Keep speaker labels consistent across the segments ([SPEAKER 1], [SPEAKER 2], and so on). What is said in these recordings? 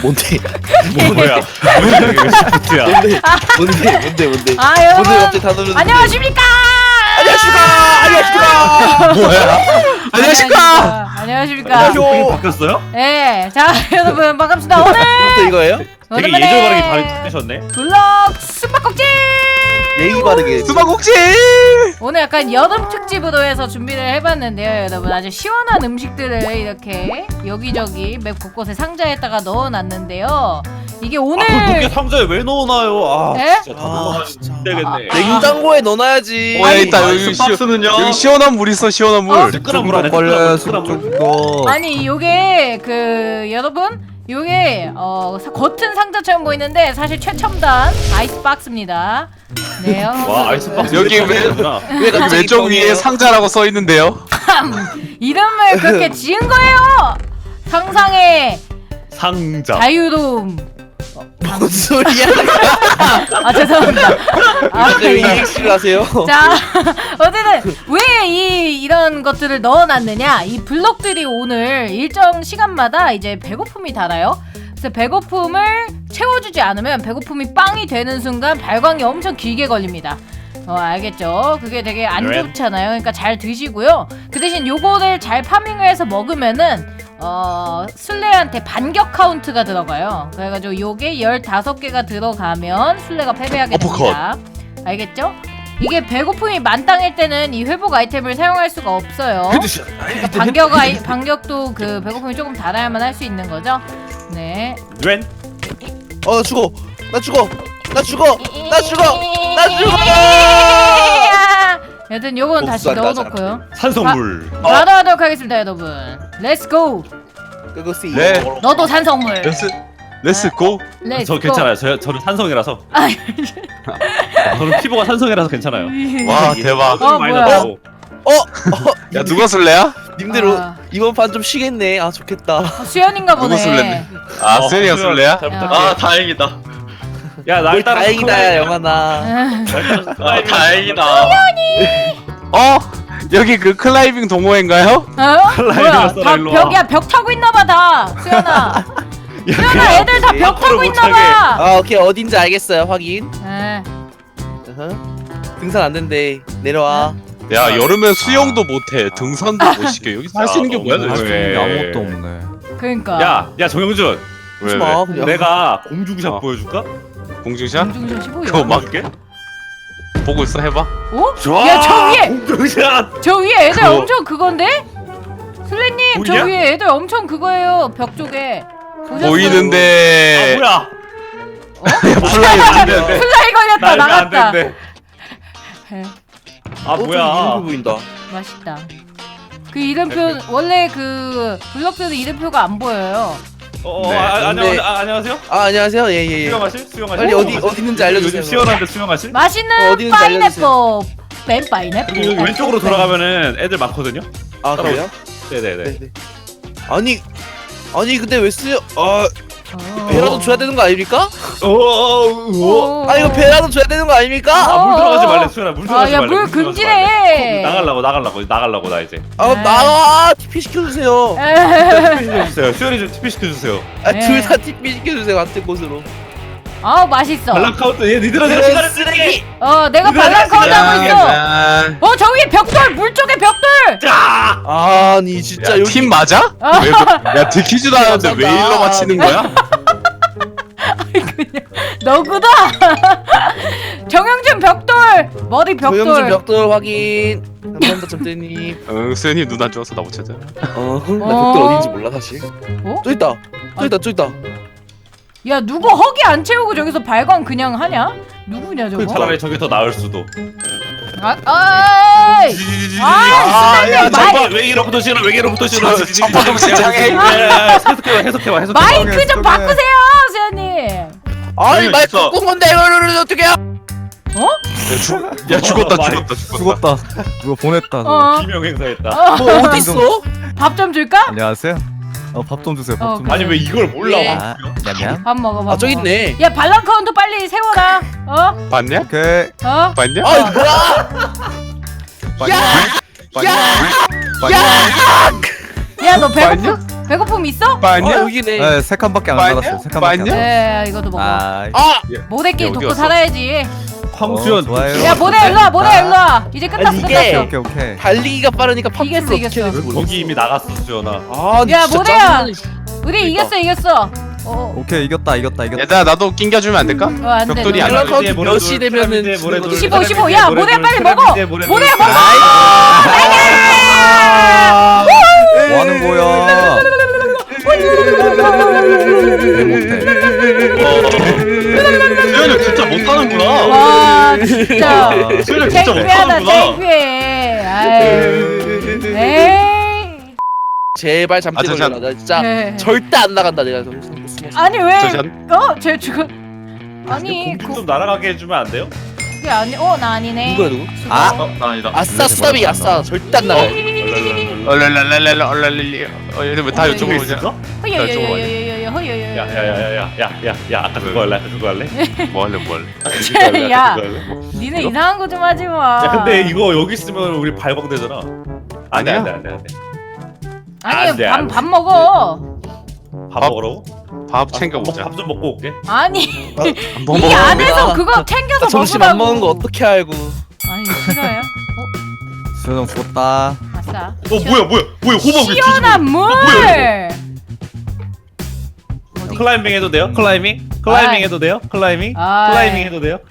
[SPEAKER 1] 뭔데?
[SPEAKER 2] 뭐야? 왜 시프트야?
[SPEAKER 1] 뭔데?
[SPEAKER 3] 아
[SPEAKER 1] 뭔데
[SPEAKER 3] 여러분
[SPEAKER 1] 갑자기 다 누르는데?
[SPEAKER 3] 안녕하십니까?
[SPEAKER 1] 안녕하십니까?
[SPEAKER 2] 뭐야?
[SPEAKER 3] 안녕하십니까? 안녕하십니까?
[SPEAKER 1] 안녕하세요.
[SPEAKER 2] 바뀌었어요?
[SPEAKER 3] 네, 자 여러분 반갑습니다. 오늘
[SPEAKER 1] 또 이거예요?
[SPEAKER 2] 되게
[SPEAKER 3] 오랜만에
[SPEAKER 2] 예절 바르게 바꾸셨네.
[SPEAKER 3] 블럭 숨바꼭질.
[SPEAKER 1] 예의 바르게.
[SPEAKER 4] 수박꼭지!
[SPEAKER 3] 오늘 약간 여름 특집으로 해서 준비를 해봤는데요, 여러분. 아주 시원한 음식들을 이렇게 여기저기 맵 곳곳에 상자에다가 넣어놨는데요. 이게 오늘
[SPEAKER 2] 그걸 높게 상자에 왜 넣어놔요? 아
[SPEAKER 3] 에?
[SPEAKER 2] 진짜 다
[SPEAKER 1] 아,
[SPEAKER 2] 넣어가지고
[SPEAKER 1] 진짜.
[SPEAKER 2] 되겠네.
[SPEAKER 1] 냉장고에 넣어놔야지.
[SPEAKER 4] 어, 있다. 여기
[SPEAKER 2] 스박스는요?
[SPEAKER 4] 여기 시원한 물 있어, 시원한 물.
[SPEAKER 2] 뜨끈한 물 안에 뜨끈한 물.
[SPEAKER 3] 아니 요게 그 여러분 요게 겉은 상자처럼 보이는데 사실 최첨단 아이스박스입니다. 네요.
[SPEAKER 2] 와 아이스박스
[SPEAKER 4] 여기 왜-
[SPEAKER 1] 왜
[SPEAKER 4] 여기
[SPEAKER 1] 갑자기
[SPEAKER 4] 왼쪽 위에
[SPEAKER 1] 뻥이에요?
[SPEAKER 4] 상자라고 써 있는데요.
[SPEAKER 3] 이름을 그렇게 지은 거예요. 상상의
[SPEAKER 2] 상자.
[SPEAKER 3] 자유로움.
[SPEAKER 1] 뭔 소리야?
[SPEAKER 3] 아 죄송합니다. 아,
[SPEAKER 1] 왜
[SPEAKER 3] 예.
[SPEAKER 1] EX를 하세요?
[SPEAKER 3] 자 어쨌든 왜 이런 것들을 넣어놨느냐, 이 블록들이 오늘 일정 시간마다 이제 배고픔이 달아요. 그래서 배고픔을 채워주지 않으면 배고픔이 빵이 되는 순간 발광이 엄청 길게 걸립니다. 알겠죠? 그게 되게 안
[SPEAKER 2] 네.
[SPEAKER 3] 좋잖아요. 그러니까 잘 드시고요. 그 대신 요거를 잘 파밍을 해서 먹으면은 술래한테 반격 카운트가 들어가요. 그래가지고 요게 15개가 들어가면 술래가 패배하게 됩니다. 알겠죠? 이게 배고픔이 만땅일 때는 이 회복 아이템을 사용할 수가 없어요. 그러니까 반격도 그 배고픔이 조금 달아야만 할 수 있는 거죠. 네.
[SPEAKER 2] 웬?
[SPEAKER 1] 나 죽어. 나 죽어.
[SPEAKER 3] 여튼 요건 다시
[SPEAKER 1] 복수한다,
[SPEAKER 3] 넣어놓고요.
[SPEAKER 2] 산성물.
[SPEAKER 3] 바로 하도록 하겠습니다, 여러분. 렛츠 고.
[SPEAKER 1] 그거지.
[SPEAKER 4] 네.
[SPEAKER 3] 너도 산성물.
[SPEAKER 4] 렛츠 고.
[SPEAKER 3] 렛츠
[SPEAKER 2] 저
[SPEAKER 3] 고.
[SPEAKER 2] 괜찮아요. 저는 산성이라서.
[SPEAKER 3] 아,
[SPEAKER 2] 저는 피부가 산성이라서 괜찮아요.
[SPEAKER 4] 와, 대박.
[SPEAKER 2] 많이
[SPEAKER 3] 뭐야?
[SPEAKER 2] 나고.
[SPEAKER 4] 야, 누가 술래야?
[SPEAKER 1] 님들
[SPEAKER 3] 아.
[SPEAKER 1] 이번 판 좀 쉬겠네. 아 좋겠다.
[SPEAKER 3] 수연인가 보네.
[SPEAKER 4] 누구 술래네? 아, 수현이가 술래야?
[SPEAKER 2] 잘
[SPEAKER 3] 야.
[SPEAKER 2] 부탁해.
[SPEAKER 4] 다행이다.
[SPEAKER 2] 야,
[SPEAKER 1] 뭘
[SPEAKER 2] 날 따라
[SPEAKER 1] 다행이다야 영환아.
[SPEAKER 4] 아, 다행이다. 여기 그 클라이밍 동호회인가요?
[SPEAKER 3] 뭐야?
[SPEAKER 2] 써라,
[SPEAKER 3] 다
[SPEAKER 2] 일로 와.
[SPEAKER 3] 벽이야. 벽 타고 있나봐 다. 수연아. 수연아, 애들 다 벽 타고
[SPEAKER 2] 앞으로
[SPEAKER 3] 있나봐.
[SPEAKER 1] 아 오케이 어딘지 알겠어요. 확인.
[SPEAKER 3] 에.
[SPEAKER 1] 등산 안 된대. 내려와.
[SPEAKER 4] 야, 여름에 수영도 못해. 등산도 못 시켜. 여기서 할 수 있는 게 뭐야,
[SPEAKER 2] 너무
[SPEAKER 4] 도대체?
[SPEAKER 2] 왜?
[SPEAKER 5] 아무것도 없네.
[SPEAKER 3] 그러니까.
[SPEAKER 2] 야, 정영준.
[SPEAKER 1] 하지 마 그냥.
[SPEAKER 2] 내가 공중샷
[SPEAKER 4] 어.
[SPEAKER 2] 보여줄까?
[SPEAKER 4] 공중샷?
[SPEAKER 3] 공중샷이 뭐야?
[SPEAKER 4] 그거 막
[SPEAKER 2] 볼게.
[SPEAKER 4] 보고 있어, 해봐.
[SPEAKER 3] 어?
[SPEAKER 2] 좋아.
[SPEAKER 3] 야, 저 위에!
[SPEAKER 2] 공중샷.
[SPEAKER 3] 저 위에 애들
[SPEAKER 4] 그거-
[SPEAKER 3] 엄청 그건데? 슬래님, 저
[SPEAKER 2] 보이냐?
[SPEAKER 3] 위에 애들 엄청 그거예요. 벽 쪽에. 보셨어요?
[SPEAKER 4] 보이는데.
[SPEAKER 2] 뭐야?
[SPEAKER 4] 플라이 안 되는데.
[SPEAKER 3] 플라이 걸렸다.
[SPEAKER 2] 날면 안
[SPEAKER 3] 나갔다.
[SPEAKER 2] 된대.
[SPEAKER 3] 에,
[SPEAKER 2] 아
[SPEAKER 1] 좀
[SPEAKER 2] 뭐야?
[SPEAKER 1] 이름표 보인다.
[SPEAKER 3] 맛있다. 그 이름표 원래 그 블럭들은 이름표가 안 보여요.
[SPEAKER 4] 네.
[SPEAKER 1] 근데-
[SPEAKER 2] 안녕하세요.
[SPEAKER 1] 아 안녕하세요. 예예예.
[SPEAKER 2] 수영하실? 수영하실?
[SPEAKER 1] 빨리 어디 있는지 알려주세요.
[SPEAKER 2] 요즘 시원한데 수영하실?
[SPEAKER 3] 맛있는
[SPEAKER 1] 어디 있는지
[SPEAKER 3] 파인애플. 맨 파인애플.
[SPEAKER 2] 그리고 왼쪽으로 돌아가면은 애들 많거든요.
[SPEAKER 1] 아 그래요?
[SPEAKER 2] 네네네.
[SPEAKER 1] 네네. 아니 근데 왜 쓰여?
[SPEAKER 3] 어.
[SPEAKER 1] 배라도 줘야 되는 거 아닙니까?
[SPEAKER 2] 오.
[SPEAKER 1] 아 이거 배라도 줘야 되는 거 아닙니까?
[SPEAKER 2] 물 들어가지 말래 수연아. 물 들어가지
[SPEAKER 3] 야,
[SPEAKER 2] 말래.
[SPEAKER 3] 물
[SPEAKER 2] 들어가지 말래.
[SPEAKER 3] 금지래.
[SPEAKER 2] 나가려고 나 이제.
[SPEAKER 1] 아 나와 TP 시켜주세요.
[SPEAKER 2] TP 시켜주세요. 수연이 좀 TP 시켜주세요.
[SPEAKER 1] 둘 다 TP 시켜주세요 같은 곳으로.
[SPEAKER 3] 아우 맛있어.
[SPEAKER 2] 발랑 카운트 얘 니들한테
[SPEAKER 1] 이런
[SPEAKER 2] 시간을
[SPEAKER 1] 쓰레기.
[SPEAKER 3] 내가 발랑카운트 하고 있어.
[SPEAKER 4] 야,
[SPEAKER 3] 저 위에 벽돌, 물 쪽에 벽돌.
[SPEAKER 2] 짜.
[SPEAKER 1] 아니 진짜
[SPEAKER 4] 야,
[SPEAKER 1] 여기
[SPEAKER 4] 팀 맞아? 왜, 야, 들키지도 않았는데 왜 일로 맞히는 거야?
[SPEAKER 3] 너구다. 정영준 벽돌. 머리
[SPEAKER 1] 조영준
[SPEAKER 3] 벽돌.
[SPEAKER 1] 벽돌 확인. 감사합니다 점대님.
[SPEAKER 4] 응, 수현이 눈 안 좋아서 나 못 찾아.
[SPEAKER 1] 나 벽돌 어딘지 몰라 사실.
[SPEAKER 3] 어?
[SPEAKER 1] 저 있다. 저 있다.
[SPEAKER 3] 야 누구 허기 안 채우고 저기서 발광 그냥 하냐? 누구냐 저거?
[SPEAKER 2] 차라리 저게 더 나을 수도.
[SPEAKER 3] 아이.
[SPEAKER 2] 야,
[SPEAKER 3] 마이-
[SPEAKER 2] 잠깐 외계로부터 싫어. 외계로부터 싫어.
[SPEAKER 4] 첫번동 신장해.
[SPEAKER 2] 해석해봐.
[SPEAKER 3] 마이크 좀 바꾸세요, 수현님.
[SPEAKER 1] 아니 말
[SPEAKER 4] 있어.
[SPEAKER 1] 바꾼 건데 이걸 어떻게 해요?
[SPEAKER 4] 야, 죽었다.
[SPEAKER 5] 죽었다. 누가 보냈다. 너.
[SPEAKER 3] 어.
[SPEAKER 2] 비명 행사했다.
[SPEAKER 1] 뭐 어디 있어?
[SPEAKER 3] 밥 좀 줄까?
[SPEAKER 5] 안녕하세요. 밥 좀 주세요. 밥 좀.
[SPEAKER 2] 아니 왜 이걸 몰라?
[SPEAKER 3] 예.
[SPEAKER 5] 아, 냠냠.
[SPEAKER 3] 밥 먹어, 밥
[SPEAKER 1] 아 저기
[SPEAKER 3] 먹어.
[SPEAKER 1] 있네.
[SPEAKER 3] 야 발랑 카운트 빨리 세워라.
[SPEAKER 4] 봤냐?
[SPEAKER 5] 오케이.
[SPEAKER 4] 봤냐?
[SPEAKER 1] 아 이거 뭐야?
[SPEAKER 4] 봤냐? 봤냐?
[SPEAKER 3] 야 너 배고프? 배고픔 있어?
[SPEAKER 4] 맞냐?
[SPEAKER 1] 여기네.
[SPEAKER 5] 네, 세 칸밖에 안
[SPEAKER 4] 맞냐?
[SPEAKER 5] 나갔어요. 세 칸밖에 안
[SPEAKER 4] 맞냐?
[SPEAKER 5] 나갔어요.
[SPEAKER 3] 네, 이것도 먹어.
[SPEAKER 5] 아,
[SPEAKER 3] 모래끼리
[SPEAKER 4] 어디
[SPEAKER 3] 돕고
[SPEAKER 4] 갔어?
[SPEAKER 3] 살아야지.
[SPEAKER 2] 황수연.
[SPEAKER 5] 좋아요.
[SPEAKER 3] 야, 모래 일로 와, 모래 일로 와. 이제 끝났어,
[SPEAKER 1] 아니, 이게-
[SPEAKER 3] 끝났어.
[SPEAKER 5] 오케이, 오케이.
[SPEAKER 1] 달리기가 빠르니까
[SPEAKER 3] 이겼어,
[SPEAKER 1] 팝풀로
[SPEAKER 3] 이겼어.
[SPEAKER 1] 어떻게 될지 모르겠어.
[SPEAKER 2] 거기 이미 나갔어 수연아.
[SPEAKER 1] 아,
[SPEAKER 3] 야,
[SPEAKER 1] 진짜
[SPEAKER 3] 뭐래야?
[SPEAKER 1] 짜증나네.
[SPEAKER 3] 우리 이겼어, 이겼어.
[SPEAKER 5] 오케이, 이겼다.
[SPEAKER 4] 얘들아 나도 낑겨주면 안 될까?
[SPEAKER 3] 안 돼.
[SPEAKER 4] 벽돌이
[SPEAKER 3] 너.
[SPEAKER 4] 안
[SPEAKER 1] 연락
[SPEAKER 4] 나와.
[SPEAKER 1] 카운트 몇 시 되면은
[SPEAKER 3] 15, 15. 야, 모래 빨리 먹어. 모래 먹어.
[SPEAKER 5] 뭐 하는 거야?
[SPEAKER 2] 수연이 진짜 못하는구나.
[SPEAKER 3] 와, 진짜.
[SPEAKER 2] 수연이 진짜
[SPEAKER 3] 창피하다,
[SPEAKER 2] 못하는구나.
[SPEAKER 3] 창피해. 아유. 에이.
[SPEAKER 1] 제발 잠시
[SPEAKER 4] 아, 저
[SPEAKER 1] 걸려라. 나 진짜
[SPEAKER 3] 네.
[SPEAKER 1] 절대 안 나간다 내가.
[SPEAKER 3] 아니 왜?
[SPEAKER 4] 잠시만.
[SPEAKER 3] 쟤 지금 아니
[SPEAKER 2] 공기 좀 날아가게 해주면 안 돼요?
[SPEAKER 3] 그게 아니. 나 아니네.
[SPEAKER 1] 누구야 누구?
[SPEAKER 3] 아.
[SPEAKER 2] 나 아니다.
[SPEAKER 1] 아싸 수다비 아싸 절대 안 나가.
[SPEAKER 4] 얼랄랄랄랄랄랄랄. 얘들 왜다 이쪽으로 오냐?
[SPEAKER 2] 있을까?
[SPEAKER 3] 허여여여여여여 허여여.
[SPEAKER 2] 야야야야야야야 아까 그거 할래? 그거 할래?
[SPEAKER 4] 뭐 할래 뭐 할래?
[SPEAKER 2] 그거 할래?
[SPEAKER 3] 야.
[SPEAKER 2] 그거 할래?
[SPEAKER 3] 니네 이상한 거 좀 하지 마.
[SPEAKER 2] 야 근데 이거 여기 있으면 우리 발광되잖아.
[SPEAKER 4] 아니야?
[SPEAKER 2] 안돼.
[SPEAKER 3] 아니
[SPEAKER 2] 안 돼, 안 돼.
[SPEAKER 3] 밥 먹어.
[SPEAKER 2] 밥
[SPEAKER 4] 밥
[SPEAKER 2] 먹으라고?
[SPEAKER 4] 밥 챙겨보자.
[SPEAKER 2] 밥 좀 먹고 올게.
[SPEAKER 3] 아니
[SPEAKER 4] 뭐
[SPEAKER 3] 이
[SPEAKER 4] 먹어?
[SPEAKER 3] 안에서 그거 챙겨서
[SPEAKER 1] 점심
[SPEAKER 3] 먹으라고.
[SPEAKER 1] 안 먹는 거 어떻게 알고?
[SPEAKER 3] 아니 싫어요?
[SPEAKER 5] 수영 죽었다.
[SPEAKER 3] 아싸.
[SPEAKER 2] 뭐야 호박 왜
[SPEAKER 3] 시원한 물. 어디?
[SPEAKER 2] 클라이밍 해도 돼요? 클라이밍? 클라이밍 해도 돼요? 클라이밍?
[SPEAKER 3] 아이.
[SPEAKER 2] 클라이밍 해도 돼요?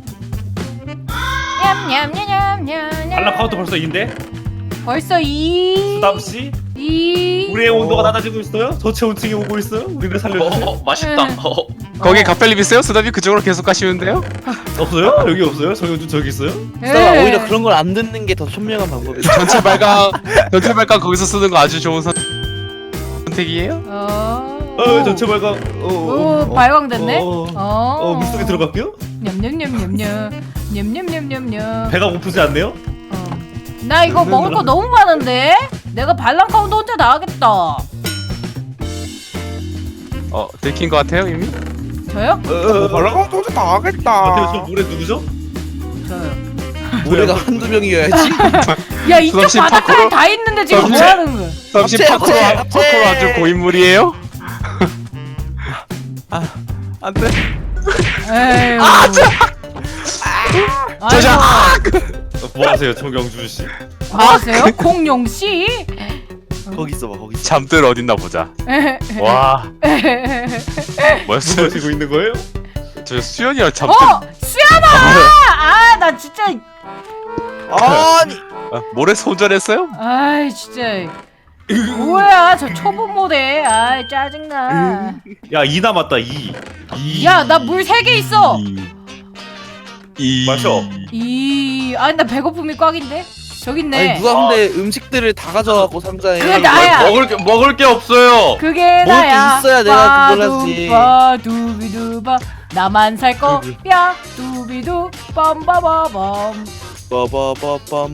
[SPEAKER 3] 냠냠냠냠냠.
[SPEAKER 2] 발랑 카운트 벌써 2인데?
[SPEAKER 3] 벌써
[SPEAKER 2] 수담씨?
[SPEAKER 3] 2.
[SPEAKER 2] 우리의 온도가 낮아지고 있어요? 저체 온층이 오고 있어요? 우리를 살려주세요.
[SPEAKER 6] 맛있다.
[SPEAKER 4] 거기 카펠립 있어요? 수다비 그쪽으로 계속 가시면 돼요?
[SPEAKER 2] 없어요? 여기 없어요? 정현준 저기 있어요?
[SPEAKER 1] 수다가 오히려 그런 걸 안 듣는 게 더 현명한 방법이야.
[SPEAKER 4] 전체 발광 거기서 쓰는 거 아주 좋은 선택이에요?
[SPEAKER 2] 전체 발광.
[SPEAKER 3] 오, 발광됐네.
[SPEAKER 2] 물속에 들어갈게요?
[SPEAKER 3] 냠냠냠냠냠. 냠냠냠냠냠.
[SPEAKER 2] 배가 고프지 않네요?
[SPEAKER 3] 나 이거 먹을 거 너무 많은데? 내가 발랑 카운트 혼자 나가겠다.
[SPEAKER 4] 들킨 거 같아요 이미?
[SPEAKER 3] 저요?
[SPEAKER 1] 발랑 카운트 혼자 다 하겠다.
[SPEAKER 2] 마테오 저 노래 누구죠?
[SPEAKER 3] 저요.
[SPEAKER 1] 노래가 한두 명이어야지.
[SPEAKER 3] 야, 이쪽
[SPEAKER 4] 수담씨
[SPEAKER 3] 바닥까지
[SPEAKER 4] 파쿠르?
[SPEAKER 3] 다 있는데 지금 뭐
[SPEAKER 4] 수담씨?
[SPEAKER 3] 하는 거야?
[SPEAKER 4] 잠시
[SPEAKER 1] 합체,
[SPEAKER 4] 파쿠로
[SPEAKER 1] 합체.
[SPEAKER 4] 아주 고인물이에요?
[SPEAKER 5] 안 돼.
[SPEAKER 3] 에휴.
[SPEAKER 4] 저자!
[SPEAKER 2] 뭐 하세요, 정경준 씨?
[SPEAKER 3] 뭐 하세요? 공룡 씨?
[SPEAKER 1] 거기 있어봐 거기. 있어.
[SPEAKER 4] 잠들 어딨나 보자. 와 뭐였어?
[SPEAKER 2] 뭐 하시고 있는 거예요?
[SPEAKER 4] 저 수연이랑 잠들
[SPEAKER 3] 수연아! 아, 나 진짜.
[SPEAKER 1] 아니
[SPEAKER 4] 모래 손절했어요?
[SPEAKER 3] 아이, 진짜. 뭐야, 저 초보 모델. 아이, 짜증나.
[SPEAKER 2] 야, 2 남았다, 2.
[SPEAKER 3] 야, 나 물 3개 있어.
[SPEAKER 2] 마셔.
[SPEAKER 3] 아니, 나 배고픔이 꽉인데? 저기 있네.
[SPEAKER 1] 아니 누가 근데 음식들을 다 가져가고 상자에.
[SPEAKER 3] 그게 나야.
[SPEAKER 6] 먹을 게 없어요.
[SPEAKER 3] 그게
[SPEAKER 1] 먹을 게
[SPEAKER 3] 나야.
[SPEAKER 1] 있어야 내가 그걸 하지.
[SPEAKER 3] 두비두바. 나만 살 거야. 두비두 빰바바밤.
[SPEAKER 1] 빠바바밤.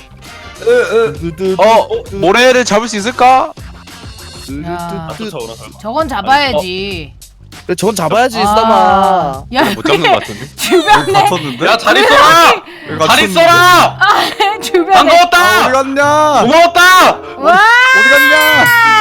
[SPEAKER 4] 모래를 잡을 수 있을까?
[SPEAKER 3] 야.
[SPEAKER 2] 쫓아오나?
[SPEAKER 3] 저건 잡아야지.
[SPEAKER 1] 그래 저건 잡아야지
[SPEAKER 3] 아.
[SPEAKER 1] 수담아.
[SPEAKER 3] 야,
[SPEAKER 4] 못 잡는 거 같은데?
[SPEAKER 3] 주변에
[SPEAKER 5] 갇혔는데?
[SPEAKER 6] 야, 잘 있어라. 잘 있어라.
[SPEAKER 3] 주변에
[SPEAKER 6] 반가웠다.
[SPEAKER 5] 어디 갔냐?
[SPEAKER 6] 고마웠다.
[SPEAKER 3] 와!
[SPEAKER 5] 어디 갔냐?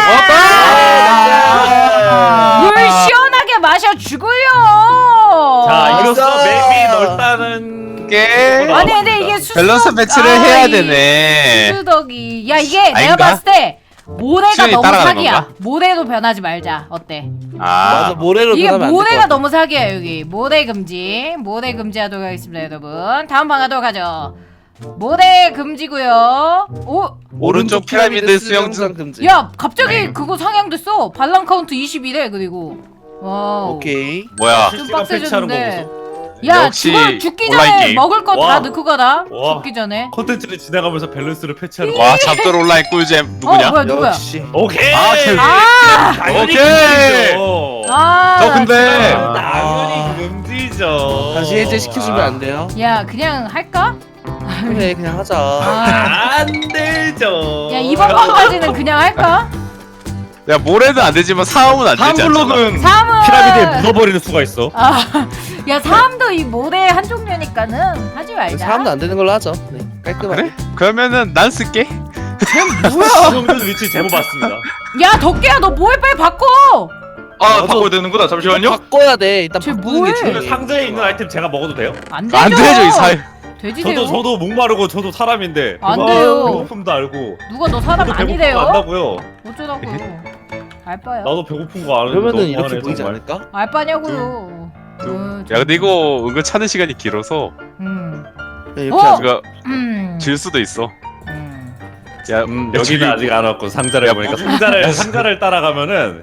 [SPEAKER 6] 고마웠다.
[SPEAKER 3] 물 시원하게 마셔 죽을려.
[SPEAKER 2] 자, 이로써
[SPEAKER 1] 아싸.
[SPEAKER 2] 맵이 넓다는
[SPEAKER 4] 게
[SPEAKER 3] 아니 근데 이게 수수덕
[SPEAKER 4] 밸런스 배치를 해야 되네.
[SPEAKER 3] 수수덕이 야 이게 내가
[SPEAKER 4] 아닌가?
[SPEAKER 3] 봤을 때 모래가
[SPEAKER 4] 수연이
[SPEAKER 3] 너무
[SPEAKER 4] 따라가는
[SPEAKER 3] 사기야.
[SPEAKER 4] 건가?
[SPEAKER 3] 모래로 변하지 말자. 어때?
[SPEAKER 1] 맞아
[SPEAKER 4] 아
[SPEAKER 1] 모래로
[SPEAKER 3] 이게
[SPEAKER 1] 변하면
[SPEAKER 3] 모래가
[SPEAKER 1] 안될것
[SPEAKER 3] 너무 사기야 여기. 모래 금지. 모래 금지하도록 하겠습니다 여러분. 다음 방 가도록 하죠. 모래 금지고요. 오,
[SPEAKER 4] 오른쪽 피라미드 수영장
[SPEAKER 1] 금지.
[SPEAKER 3] 야 갑자기 그거 상향됐어. 발랑 카운트 20이래 그리고. 와우.
[SPEAKER 1] 오케이.
[SPEAKER 4] 뭐야?
[SPEAKER 3] 좀
[SPEAKER 2] 실시간 패치하는 거
[SPEAKER 3] 빡세졌는데.
[SPEAKER 2] 보소.
[SPEAKER 3] 야
[SPEAKER 4] 역시
[SPEAKER 3] 죽기
[SPEAKER 4] 온라인
[SPEAKER 3] 전에
[SPEAKER 4] 게임.
[SPEAKER 3] 먹을 거 다
[SPEAKER 2] 와.
[SPEAKER 3] 넣고 가라.
[SPEAKER 2] 와.
[SPEAKER 3] 죽기 전에.
[SPEAKER 2] 콘텐츠를 지나가면서 밸런스를 패치하는 거.
[SPEAKER 4] 와 잡돌 온라인 꿀잼 누구냐?
[SPEAKER 3] 뭐야 누구야?
[SPEAKER 1] 역시.
[SPEAKER 2] 오케이.
[SPEAKER 4] 아, 쟤-
[SPEAKER 3] 아!
[SPEAKER 2] 당연히
[SPEAKER 6] 오케이.
[SPEAKER 2] 금지죠.
[SPEAKER 3] 아.
[SPEAKER 6] 저 근데
[SPEAKER 2] 당연히 금지죠.
[SPEAKER 1] 다시 해제 시켜주면 안 돼요?
[SPEAKER 3] 야 그냥 할까?
[SPEAKER 1] 그래 그냥 하자.
[SPEAKER 3] 아.
[SPEAKER 2] 안 되죠.
[SPEAKER 3] 야 이번 번까지는 그냥 할까?
[SPEAKER 4] 야 모래는 안 되지만 사움은 안 되지 않잖아.
[SPEAKER 2] 블록은
[SPEAKER 3] 사암은
[SPEAKER 2] 피라미드에 묻어버리는 수가 있어.
[SPEAKER 3] 야 사암도 이 모래 한 종류니까는 하지 말자.
[SPEAKER 1] 사람도 안 되는 걸로 하죠. 네 깔끔하게.
[SPEAKER 4] 그래? 그러면은 난 쓸게.
[SPEAKER 2] 수영준 위치 제보 받습니다.
[SPEAKER 3] 야 덕기야 너 뭐해 빨리 바꿔.
[SPEAKER 6] 아 바꿔야 되는구나. 잠시만요.
[SPEAKER 1] 바꿔야 돼. 일단
[SPEAKER 3] 쟤
[SPEAKER 1] 바꾸는 게
[SPEAKER 3] 뭐해?
[SPEAKER 1] 중요해.
[SPEAKER 2] 그 상자에 있는 아이템 제가 먹어도 돼요?
[SPEAKER 3] 안 되죠.
[SPEAKER 4] 안 되죠 이 사회.
[SPEAKER 3] 돼지세요.
[SPEAKER 2] 저도 목마르고 저도 사람인데.
[SPEAKER 3] 안
[SPEAKER 2] 아,
[SPEAKER 3] 돼요.
[SPEAKER 2] 배고픔도 알고.
[SPEAKER 3] 누가 너 사람
[SPEAKER 2] 저도 배고픔
[SPEAKER 3] 아니래요?
[SPEAKER 2] 안다고요.
[SPEAKER 3] 어쩌라고요? 알바요.
[SPEAKER 2] 나도 배고픈 거 아는데.
[SPEAKER 1] 그러면은
[SPEAKER 2] 너무
[SPEAKER 1] 이렇게
[SPEAKER 2] 하네,
[SPEAKER 1] 보이지
[SPEAKER 2] 정말.
[SPEAKER 1] 않을까?
[SPEAKER 3] 알바냐고요.
[SPEAKER 4] 야 근데 이거 은근 찾는 시간이 길어서
[SPEAKER 1] 네, 이렇게
[SPEAKER 3] 어?
[SPEAKER 1] 하자.
[SPEAKER 4] 우리가
[SPEAKER 3] 음.
[SPEAKER 4] 질 수도 있어.
[SPEAKER 3] 음.
[SPEAKER 4] 야
[SPEAKER 2] 여기는 아직 안 왔고 상자를
[SPEAKER 4] 야,
[SPEAKER 2] 보니까
[SPEAKER 4] 뭐-
[SPEAKER 2] 상자를 따라가면은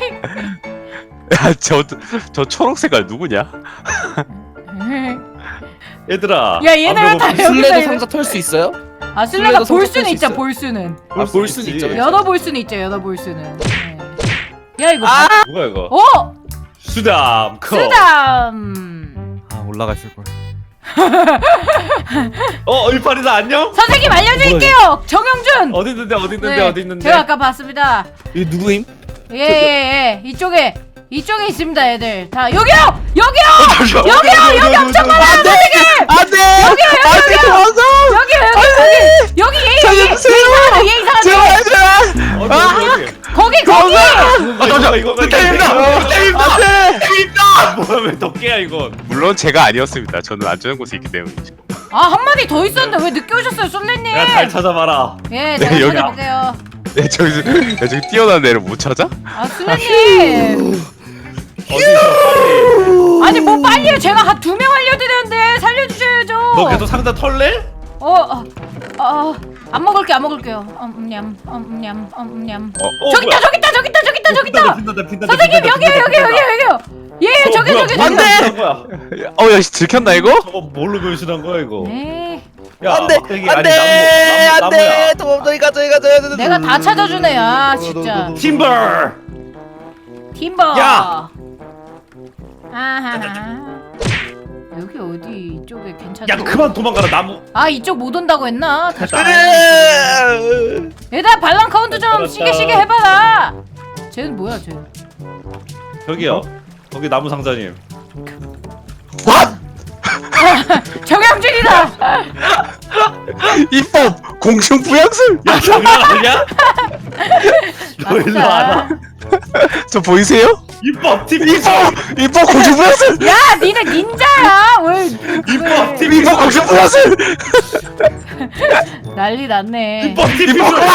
[SPEAKER 4] 야저 초록 색깔 누구냐?
[SPEAKER 2] 얘들아.
[SPEAKER 3] 야 얘네
[SPEAKER 2] 안
[SPEAKER 3] 왜 다
[SPEAKER 2] 배고프지?
[SPEAKER 3] 여기서
[SPEAKER 1] 술래도
[SPEAKER 3] 이래?
[SPEAKER 1] 상자 털 수 있어요?
[SPEAKER 3] 아 술래가
[SPEAKER 1] 술래도
[SPEAKER 3] 볼
[SPEAKER 1] 성적
[SPEAKER 3] 수는
[SPEAKER 1] 수
[SPEAKER 3] 있죠.
[SPEAKER 1] 있어요?
[SPEAKER 3] 볼 수는.
[SPEAKER 1] 볼 수는 있죠.
[SPEAKER 3] 여러 볼 수는 있죠. 여러 볼 수는. 네. 야 이거
[SPEAKER 2] 누가 이거?
[SPEAKER 3] 어
[SPEAKER 2] 수담 컵.
[SPEAKER 3] 쓰담.
[SPEAKER 5] 아 올라가 있을 걸.
[SPEAKER 2] 일파리사 안녕?
[SPEAKER 3] 선생님 알려드릴게요. 정영준.
[SPEAKER 2] 어디 있는데 어디 있는데
[SPEAKER 3] 네,
[SPEAKER 2] 어디 있는데?
[SPEAKER 3] 제가 아까 봤습니다.
[SPEAKER 1] 이 누구임?
[SPEAKER 3] 예 이쪽에 있습니다 애들 다 여기요
[SPEAKER 6] 잠시만.
[SPEAKER 2] 여기 엄청 많아.
[SPEAKER 1] 안돼! 안돼! 도망가!
[SPEAKER 3] 여기 얘
[SPEAKER 1] 살려주세요!
[SPEAKER 3] 얘 이상하네. 거기
[SPEAKER 2] 잠시만 이거
[SPEAKER 1] 안돼!
[SPEAKER 2] 뭐야 왜 덕계야 이건?
[SPEAKER 4] 물론 제가 아니었습니다. 저는 안전한 곳에 있기 때문이죠.
[SPEAKER 3] 아 한 마디 더 있었는데 왜 늦게 오셨어요 솔레님?
[SPEAKER 2] 야 잘 찾아봐라.
[SPEAKER 3] 예 제가
[SPEAKER 4] 네, 여기-
[SPEAKER 3] 찾아볼게요.
[SPEAKER 4] 야 저기 뛰어난 애를 못 찾아?
[SPEAKER 3] 아 솔레님
[SPEAKER 2] 어디 있어 빨리.
[SPEAKER 3] 아니 뭐 빨리요 제가 한 2명 알려드렸는데 살려주셔야죠.
[SPEAKER 2] 너 계속 상자 털래?
[SPEAKER 3] 안 먹을게요. 냠. 저기
[SPEAKER 2] 뭐야?
[SPEAKER 3] 있다.
[SPEAKER 2] 핀다.
[SPEAKER 3] 선생님 여기요. 예 저기.
[SPEAKER 2] 안돼.
[SPEAKER 4] 어야 들켰나 이거?
[SPEAKER 2] 저거 뭘로 변신한 거야 이거?
[SPEAKER 3] 네.
[SPEAKER 2] 야,
[SPEAKER 1] 안돼!
[SPEAKER 2] 막대기
[SPEAKER 1] 안돼!
[SPEAKER 2] 아니, 나무야.
[SPEAKER 1] 안돼! 도망 저기 가자.
[SPEAKER 3] 내가 다 찾아주네 아 진짜.
[SPEAKER 2] 팀버.
[SPEAKER 3] 팀버.
[SPEAKER 2] 야!
[SPEAKER 3] 아하. 여기 어디 이쪽에 괜찮아?
[SPEAKER 2] 야 그만 도망가라 나무.
[SPEAKER 3] 아 이쪽 못 온다고 했나?
[SPEAKER 2] 됐다.
[SPEAKER 3] 얘들아 발랑 카운트 좀 시게 해봐라. 쟤는 뭐야 쟤?
[SPEAKER 2] 저기요. 거기 나무 상자님.
[SPEAKER 3] 정영준이다.
[SPEAKER 4] 입법 공중 부양술.
[SPEAKER 2] 야 장난 아니야? 너 일로 와라.
[SPEAKER 4] 저 보이세요?
[SPEAKER 2] 입법 팀
[SPEAKER 4] 입법 공중 부양술.
[SPEAKER 3] 야 니네 닌자야 왜?
[SPEAKER 2] 입법 팀
[SPEAKER 4] 입법 공중 부양술.
[SPEAKER 3] 난리 났네.
[SPEAKER 2] 입법 팀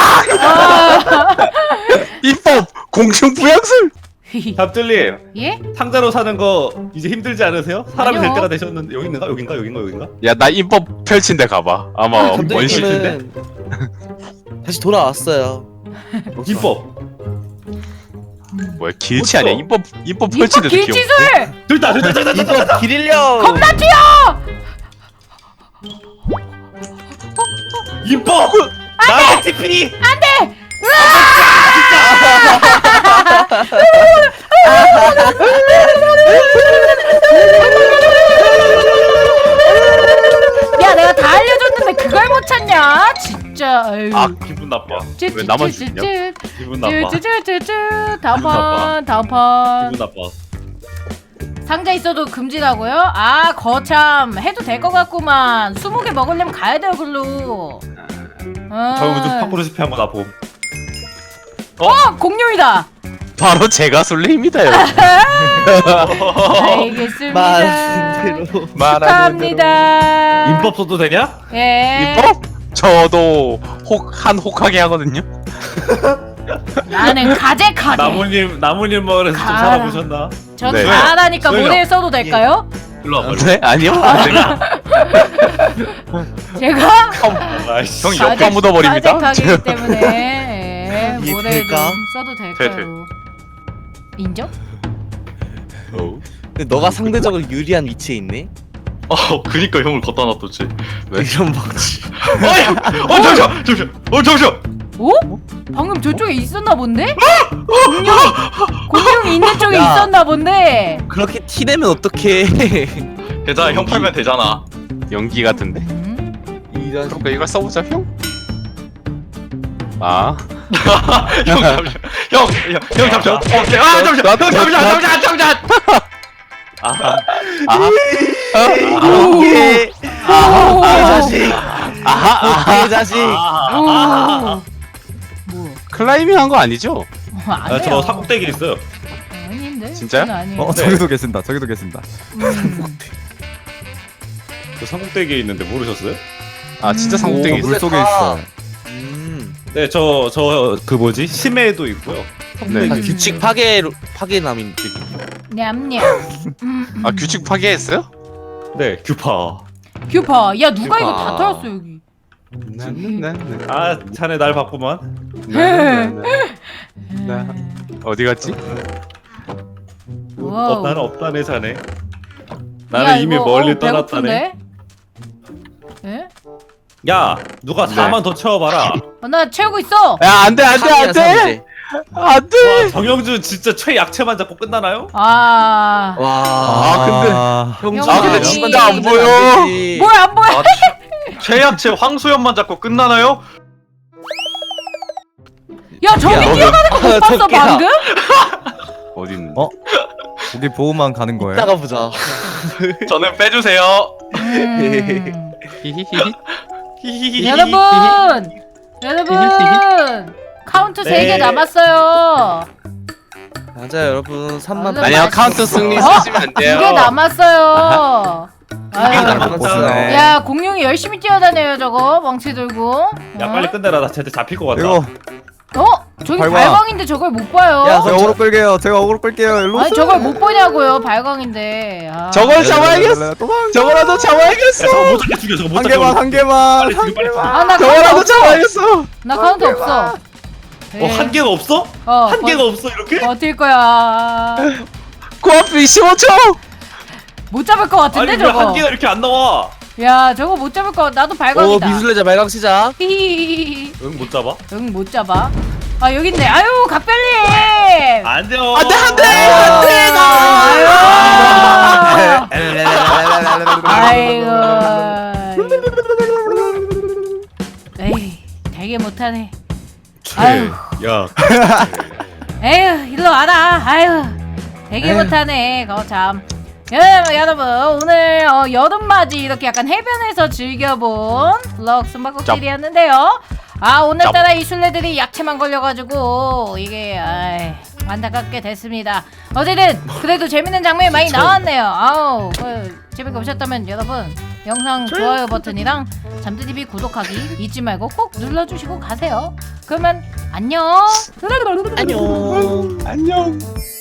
[SPEAKER 4] 입법 공중 부양술.
[SPEAKER 2] 답들님
[SPEAKER 3] 예?
[SPEAKER 2] 상자로 사는 거 이제 힘들지 않으세요? 사람이 될
[SPEAKER 3] 아니요.
[SPEAKER 2] 때가 되셨는데 여긴가?
[SPEAKER 4] 야 나 입법 펼친데 가봐. 아마 원시.
[SPEAKER 1] 감독님은 다시 돌아왔어요.
[SPEAKER 2] 입법
[SPEAKER 4] 뭐야 길치
[SPEAKER 2] 어쩌?
[SPEAKER 4] 아니야? 입법
[SPEAKER 3] 이뻐
[SPEAKER 4] 펼친데도 귀여워.
[SPEAKER 3] 길치술.
[SPEAKER 2] 됐다.
[SPEAKER 1] 이거 길일령!
[SPEAKER 3] 겁나 튀어.
[SPEAKER 2] 입법 나의 TP
[SPEAKER 3] 안돼. 야 내가 다 알려줬는데 그걸 못 찾냐? 진짜. 아유.
[SPEAKER 2] 아 기분 나빠.
[SPEAKER 4] 왜 나만 죽냐?
[SPEAKER 2] 기분 나빠.
[SPEAKER 3] 다음판
[SPEAKER 2] 기분 나빠.
[SPEAKER 3] 상자 있어도 금지라고요? 아 거참 해도 될 것 같구만. 20개 먹으려면 가야 돼요 글로.
[SPEAKER 2] 저 요즘 파쿠르 실패한 거 나 봄.
[SPEAKER 3] 공룡이다.
[SPEAKER 4] 바로 제가 솔레입니다 여러분.
[SPEAKER 3] 알겠습니다.
[SPEAKER 1] 말대로.
[SPEAKER 3] 축하합니다.
[SPEAKER 2] 인법 써도 되냐?
[SPEAKER 3] 예.
[SPEAKER 4] 입법? 저도 혹하게 하거든요.
[SPEAKER 3] 나는 가재카게.
[SPEAKER 2] 나무님 마을에서 좀
[SPEAKER 3] 가라.
[SPEAKER 2] 살아보셨나?
[SPEAKER 3] 저는
[SPEAKER 4] 네.
[SPEAKER 3] 잘하니까
[SPEAKER 2] 저요.
[SPEAKER 3] 모델 써도 될까요?
[SPEAKER 2] 일로 와봐.
[SPEAKER 4] 네 아니요.
[SPEAKER 3] 제가
[SPEAKER 2] 아이씨.
[SPEAKER 4] 형 옆에 묻어버립니다.
[SPEAKER 3] 가재카기 때문에 예,
[SPEAKER 1] 이게
[SPEAKER 3] 모델 좀
[SPEAKER 1] 될까?
[SPEAKER 3] 써도 될까요? 인정?
[SPEAKER 1] 근데 너가 상대적으로 유리한 위치에 있네?
[SPEAKER 6] 그니까 형을 걷다 놨었지.
[SPEAKER 1] 이런 방지.
[SPEAKER 6] 잠시만.
[SPEAKER 3] 오? 방금 저쪽에 있었나 본데? 공룡이 있는 쪽에
[SPEAKER 1] 야.
[SPEAKER 3] 있었나 본데.
[SPEAKER 1] 그렇게 티내면 어떡해.
[SPEAKER 6] 괜찮아 형 팔면 되잖아.
[SPEAKER 4] 연기 같은데.
[SPEAKER 1] 이런.
[SPEAKER 4] 그러니까 이걸 써보자 형. 아.
[SPEAKER 6] 형 잠시만. 형 잠시만. 오케이. 아 잠시만.
[SPEAKER 1] 오!
[SPEAKER 3] 오!
[SPEAKER 1] 이 자식. 아하 자식.
[SPEAKER 3] 오. 뭐?
[SPEAKER 4] 클라이밍 한 거 아니죠?
[SPEAKER 3] 안
[SPEAKER 2] 아,
[SPEAKER 3] 돼요.
[SPEAKER 2] 저 삼국대기 있어요.
[SPEAKER 3] 아닌데?
[SPEAKER 4] 진짜요?
[SPEAKER 3] 그건 아니에요.
[SPEAKER 5] 저기도 계신다. 저기도 계신다.
[SPEAKER 2] 저 삼국대기 있는데 모르셨어요?
[SPEAKER 4] 아 진짜
[SPEAKER 1] 오,
[SPEAKER 4] 상국대기
[SPEAKER 5] 물 속에 있어.
[SPEAKER 2] 네, 저 그 뭐지? 심해도 있고요.
[SPEAKER 4] 네.
[SPEAKER 1] 다 규칙 파괴남인데.
[SPEAKER 3] 냠냠.
[SPEAKER 4] 아 규칙 파괴했어요?
[SPEAKER 2] 네, 규파.
[SPEAKER 3] 규파. 야 누가 이거
[SPEAKER 1] 규파.
[SPEAKER 3] 다 털었어 여기.
[SPEAKER 2] 아, 자네 날 봤구만.
[SPEAKER 4] 어디 갔지?
[SPEAKER 3] 와우.
[SPEAKER 2] 나는 없다네, 자네.
[SPEAKER 3] 야,
[SPEAKER 2] 나는 이미
[SPEAKER 3] 이거,
[SPEAKER 2] 멀리 떠났다네.
[SPEAKER 3] 배고픈데? 예?
[SPEAKER 2] 야, 누가 4만 더 채워봐라.
[SPEAKER 3] 나 채우고 있어.
[SPEAKER 4] 야 안돼 안돼 안돼 안돼.
[SPEAKER 2] 와, 정영준 진짜 최약체만 잡고 끝나나요?
[SPEAKER 3] 아.
[SPEAKER 1] 와.
[SPEAKER 5] 근데
[SPEAKER 1] 형
[SPEAKER 3] 아, 근데
[SPEAKER 4] 진짜 안 보여.
[SPEAKER 3] 뭐야 안 보여?
[SPEAKER 6] 아, 최약체 황소연만 잡고 끝나나요?
[SPEAKER 3] 야 저기
[SPEAKER 1] 야,
[SPEAKER 3] 뛰어가는 거 못 봤어
[SPEAKER 1] 저기야.
[SPEAKER 3] 방금?
[SPEAKER 4] 어디 있는?
[SPEAKER 5] 거기 보호만 가는 거예요.
[SPEAKER 1] 이따가 보자.
[SPEAKER 6] 저는 빼주세요.
[SPEAKER 4] 히히히히.
[SPEAKER 3] 여러분 카운트
[SPEAKER 2] 네.
[SPEAKER 3] 3개 남았어요.
[SPEAKER 1] 맞아요 여러분 3만.
[SPEAKER 4] 아니요 카운트 승리
[SPEAKER 3] 어?
[SPEAKER 4] 쓰시면 안
[SPEAKER 3] 2개
[SPEAKER 4] 돼요.
[SPEAKER 3] 남았어요. 아유.
[SPEAKER 2] 남았어요.
[SPEAKER 3] 야 공룡이 열심히 뛰어다녀요 저거 멍치 들고.
[SPEAKER 2] 야, 빨리 끝내라. 나 쟤한테 잡힐 것 같다.
[SPEAKER 5] 이거
[SPEAKER 3] 저기
[SPEAKER 5] 발광.
[SPEAKER 3] 발광인데 저걸 못 봐요.
[SPEAKER 1] 야,
[SPEAKER 5] 제가 어그로 끌게요. 제가 어그로 끌게요. 일로
[SPEAKER 3] 아니
[SPEAKER 5] 오세요.
[SPEAKER 3] 저걸 못 보냐고요 발광인데. 아.
[SPEAKER 4] 저걸 잡아야겠어.
[SPEAKER 5] 도망.
[SPEAKER 4] 저거라도 잡아야겠어.
[SPEAKER 2] 야, 저거 못 잡게 죽여. 저거 못
[SPEAKER 5] 한
[SPEAKER 2] 잡게.
[SPEAKER 5] 개만 한 개만
[SPEAKER 2] 빨리
[SPEAKER 5] 한
[SPEAKER 2] 죽여, 빨리
[SPEAKER 5] 개만.
[SPEAKER 3] 아, 나 카운트
[SPEAKER 4] 저거라도
[SPEAKER 3] 없어.
[SPEAKER 4] 잡아야겠어.
[SPEAKER 3] 나 카운트 없어.
[SPEAKER 2] 한 개가 없어? 한 개가 없어 이렇게?
[SPEAKER 3] 버틸 거야.
[SPEAKER 4] 코앞 25초.
[SPEAKER 3] 못 잡을 것 같은데
[SPEAKER 2] 아니 왜
[SPEAKER 3] 저거.
[SPEAKER 2] 한 개가 이렇게 안 나와?
[SPEAKER 3] 야 저거 못 잡을 거. 나도
[SPEAKER 1] 오
[SPEAKER 3] 발광이다.
[SPEAKER 1] 미술래자 발광 시작.
[SPEAKER 3] 히히히히.
[SPEAKER 2] 응, 못 잡아?
[SPEAKER 3] 응 못 잡아. 아 여기 있네. 아유 각별님.
[SPEAKER 2] 안 돼요.
[SPEAKER 3] 아유. 아이고. 에이 되게 못하네. 아유.
[SPEAKER 2] 야,
[SPEAKER 3] 에휴 일로 와라. 아유 되게 못하네. 거참. 여러분 오늘 여름맞이 이렇게 약간 해변에서 즐겨본 블럭 숨바꼭질이었는데요. 아 오늘따라 이 술래들이 약체만 걸려가지고 이게 안타깝게 됐습니다. 어쨌든 그래도 재밌는 장면이 많이 나왔네요. 아우 재밌게 보셨다면 여러분 영상 좋아요 버튼이랑 잠들TV 구독하기 잊지 말고 꼭 눌러주시고 가세요. 그러면 안녕.
[SPEAKER 1] 안녕.
[SPEAKER 4] 안녕.